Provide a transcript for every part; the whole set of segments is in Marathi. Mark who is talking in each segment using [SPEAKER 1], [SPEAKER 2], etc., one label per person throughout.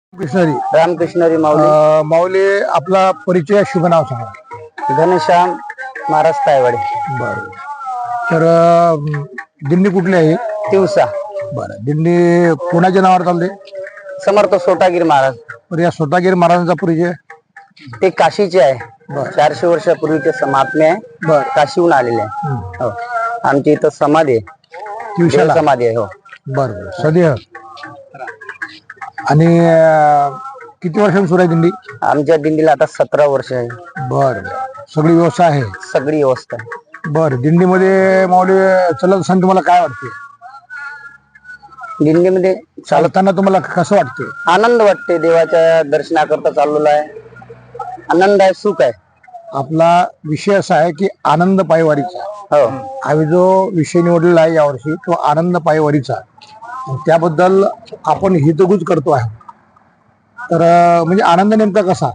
[SPEAKER 1] कृष्णरी
[SPEAKER 2] रामकृष्णरी माऊली.
[SPEAKER 1] माऊली आपला परिचय शुभ नाव सांगा.
[SPEAKER 2] घनश्याम महाराज तायवाडे.
[SPEAKER 1] बरं. तर दिंडी कुठली आहे?
[SPEAKER 2] तिवसा.
[SPEAKER 1] बरं. दिंडी कोणाच्या नावावर चालते?
[SPEAKER 2] समर्थ सोटागिरी महाराज.
[SPEAKER 1] तर या सोटागिरी महाराजांचा परिचय?
[SPEAKER 2] ते काशीचे आहे. 400 वर्षापूर्वीचे समात्मे आहे.
[SPEAKER 1] बरं.
[SPEAKER 2] काशीहून आलेले आहे. हो. आमची इथं समाधी आहे.
[SPEAKER 1] तिवशाला
[SPEAKER 2] समाधी आहे. हो.
[SPEAKER 1] बरं. सदैव. आणि किती वर्षांनी सुरू आहे दिंडी?
[SPEAKER 2] आमच्या दिंडीला आता 17 वर्ष आहे.
[SPEAKER 1] बरं. सगळी व्यवस्था आहे?
[SPEAKER 2] सगळी व्यवस्था आहे.
[SPEAKER 1] बरं. दिंडीमध्ये माऊली चलत असताना तुम्हाला काय वाटते?
[SPEAKER 2] दिंडीमध्ये
[SPEAKER 1] चालताना तुम्हाला कसं वाटते?
[SPEAKER 2] आनंद वाटते. देवाच्या दर्शनाकरता चाललेलो आहे. आनंद आहे, सुख आहे.
[SPEAKER 1] आपला विषय असा आहे की आनंद पायवारीचा.
[SPEAKER 2] हो.
[SPEAKER 1] आम्ही जो विषय निवडलेला आहे यावर्षी तो आनंद पायवारीचा. त्याबद्दल आपण हितगुज करतो आहे. तर म्हणजे आनंद नेमका कसा?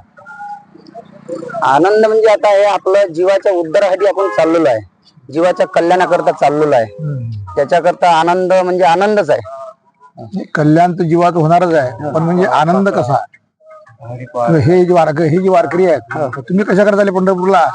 [SPEAKER 2] आनंद म्हणजे आता हे आपलं जीवाच्या उद्धारासाठी आपण चाललेलो आहे. जीवाच्या कल्याणाकरता चाललेलो आहे. त्याच्याकरता आनंद म्हणजे आनंदच आहे.
[SPEAKER 1] कल्याण तर जीवात होणारच आहे, पण म्हणजे आनंद कसा? हे जी वारकरी आहेत, तुम्ही कशा करता आले पंढरपूरला?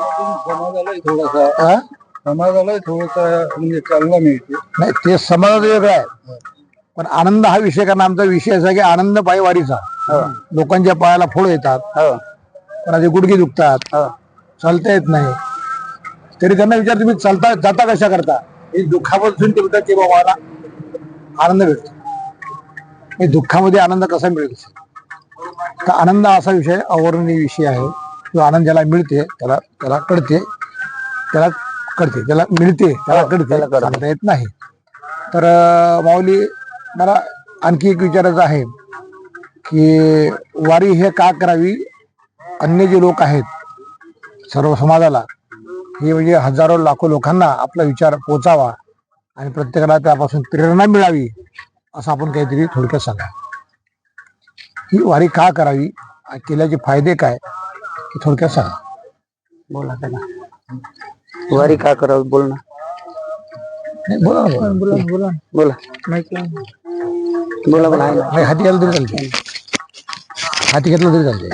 [SPEAKER 3] समाजाला थोडसा म्हणजे चालना मिळते.
[SPEAKER 1] नाही, ते समाज वेगळं आहे, पण आनंद हा विषय. कारण आमचा विषय असा की आनंद पायवारीचा. लोकांच्या पायाला फोड येतात, कोणाचे गुडघे दुखतात, चालता येत नाही, तरी त्यांना विचार तुम्ही चालता जाता कशा करता? हे दुःखापासून ते म्हणतात की बाबा मला आनंद भेटतो. हे दुःखामध्ये आनंद कसा मिळेल? तर आनंद असा विषय, अवर्णनीय विषय आहे. जो आनंद ज्याला मिळते त्याला त्याला कळते, त्याला कळते, त्याला मिळते, त्याला कळते, सांगता येत नाही. तर माऊली, मला आणखी एक विचारायचं आहे की वारी हे का करावी? अन्य जे लोक आहेत सर्व समाजाला, हे म्हणजे हजारो लाखो लोकांना आपला विचार पोचावा आणि प्रत्येकाला त्यापासून प्रेरणा मिळावी, असं आपण काहीतरी थोडक्यात सांगा. ही वारी का करावी, केल्याचे फायदे काय, हे थोडक्यात सांगा.
[SPEAKER 2] बोला त्याला. वारी का करावी? बोल ना.
[SPEAKER 1] बोला बोला बोला
[SPEAKER 2] बोला. बोला बोला.
[SPEAKER 1] नाही, हाती घ्यायला तरी चालते, हाती घेतलं तरी चालते.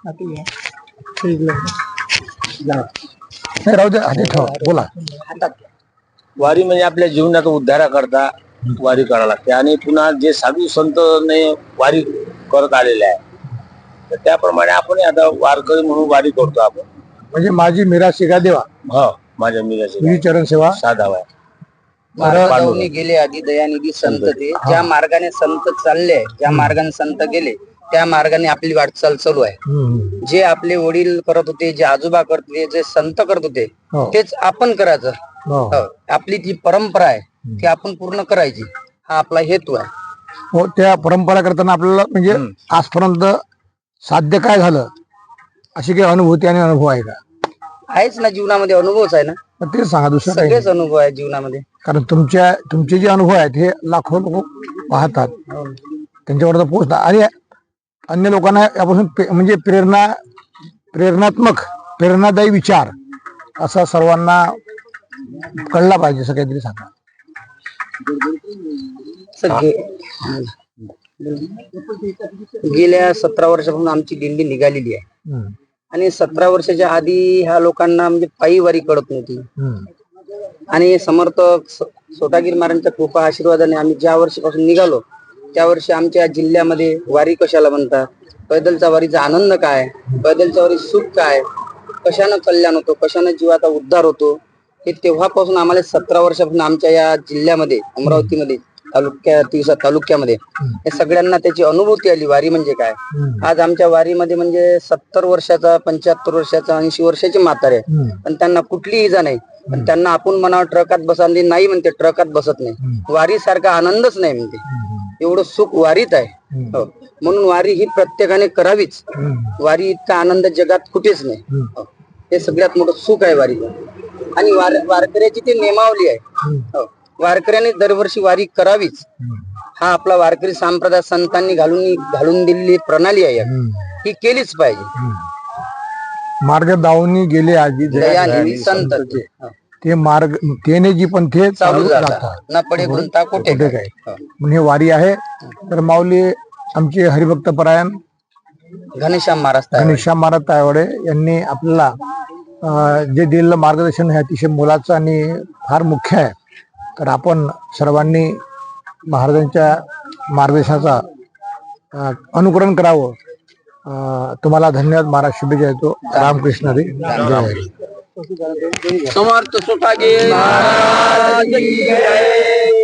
[SPEAKER 1] नाही, राहू दे, हाती ठेवा. बोला.
[SPEAKER 3] वारी म्हणजे आपल्या जीवनाचा उद्धारा करता वारी करावं लागते. आणि पुन्हा जे साधू संतने वारी करत आलेले आहे, तर त्याप्रमाणे आपण आता वारकरी म्हणून वारी करतो आपण.
[SPEAKER 1] म्हणजे माझी मीरा शिगा देवा.
[SPEAKER 3] हो, माझ्या मिराची
[SPEAKER 1] चरण सेवा
[SPEAKER 3] साधावा.
[SPEAKER 2] मार्गाने गेले आधी दयानिधी संत ते. ज्या मार्गाने संत चालले, ज्या मार्गाने संत गेले, त्या मार्गाने आपली वाटचाल चालू आहे. जे आपले वडील करत होते, जे आजोबा करत होते, जे संत करत होते, तेच आपण करायचं. आपली जी परंपरा आहे ती आपण पूर्ण करायची, हा आपला हेतू आहे.
[SPEAKER 1] हो, त्या परंपरा करताना आपल्याला म्हणजे आजपर्यंत साध्य काय झालं, अशी काही अनुभूती आणि अनुभव आहे का?
[SPEAKER 2] आहेच ना, जीवनामध्ये अनुभवच आहे ना.
[SPEAKER 1] तेच सांगा, दुसरं काही
[SPEAKER 2] सगळेच अनुभव आहे जीवनामध्ये.
[SPEAKER 1] कारण तुमचे जे अनुभव आहेत हे लाखो लोक पाहतात, त्यांच्यावर पोहोचतात आणि अन्य लोकांना यापासून म्हणजे प्रेरणादायी विचार असा सर्वांना कळला पाहिजे, असं काहीतरी सांगा.
[SPEAKER 2] गेल्या 17 वर्षापासून आमची दिंडी निघालेली आहे. आणि 17 वर्षाच्या आधी ह्या लोकांना म्हणजे पायी वारी कळत नव्हती. आणि समर्थ सोटागिरी महाराजांच्या कृपा आशीर्वादाने आम्ही ज्या वर्षीपासून निघालो, त्या वर्षी आमच्या जिल्ह्यामध्ये वारी कशाला म्हणतात, पैदलच्या वारीचा आनंद काय, पैदलच्या वारी सुख काय, कशानं कल्याण होतो, कशानं जीवाचा उद्धार होतो, हे तेव्हापासून आम्हाला 17 वर्षापासून आमच्या या जिल्ह्यामध्ये, अमरावतीमध्ये, तिवसा तालुक्यामध्ये या सगळ्यांना त्याची अनुभूती आली. वारी म्हणजे काय. आज आमच्या वारीमध्ये म्हणजे 70 वर्षाचा, 75 वर्षाचा, 80 वर्षाचे म्हातारे, पण त्यांना कुठलीही इजा नाही. पण त्यांना आपण म्हणावं ट्रकात बसायला नाही म्हणते, ट्रकात बसत नाही. वारी सारखा आनंदच नाही म्हणते. एवढं सुख वारीत आहे. म्हणून वारी ही प्रत्येकाने करावीच. वारी इतका आनंद जगात कुठेच नाही. हे सगळ्यात मोठं सुख आहे वारी. आणि वारकऱ्याची ती नेमावली आहे. वारकऱ्याने दरवर्षी वारी करावीच. हा आपला वारकरी संप्रदाय संतांनी घालून दिलेली प्रणाली आहे, ही केलीच पाहिजे.
[SPEAKER 1] मार्ग दावणी गेले आजी
[SPEAKER 2] दयानिधी संत
[SPEAKER 1] ते मार्ग तेने जी पण ते
[SPEAKER 2] चालू जातात, न पडे गुंता कुठे
[SPEAKER 1] काय. म्हणजे वारी आहे. तर माऊली, आमचे हरिभक्त परायण
[SPEAKER 2] घनश्याम महाराज
[SPEAKER 1] घनश्याम महाराज तायवाडे यांनी आपल्याला जे दिलेलं मार्गदर्शन हे अतिशय मोलाचं आणि फार मुख्य आहे. तर आपण सर्वांनी महाराजांच्या मार्गदर्शनाचा अनुकरण करावं. तुम्हाला धन्यवाद. महाराज शुभेच्छा देतो. रामकृष्ण हरी. जय हरी.
[SPEAKER 2] समर्थ सुटागीर महाराज की जय.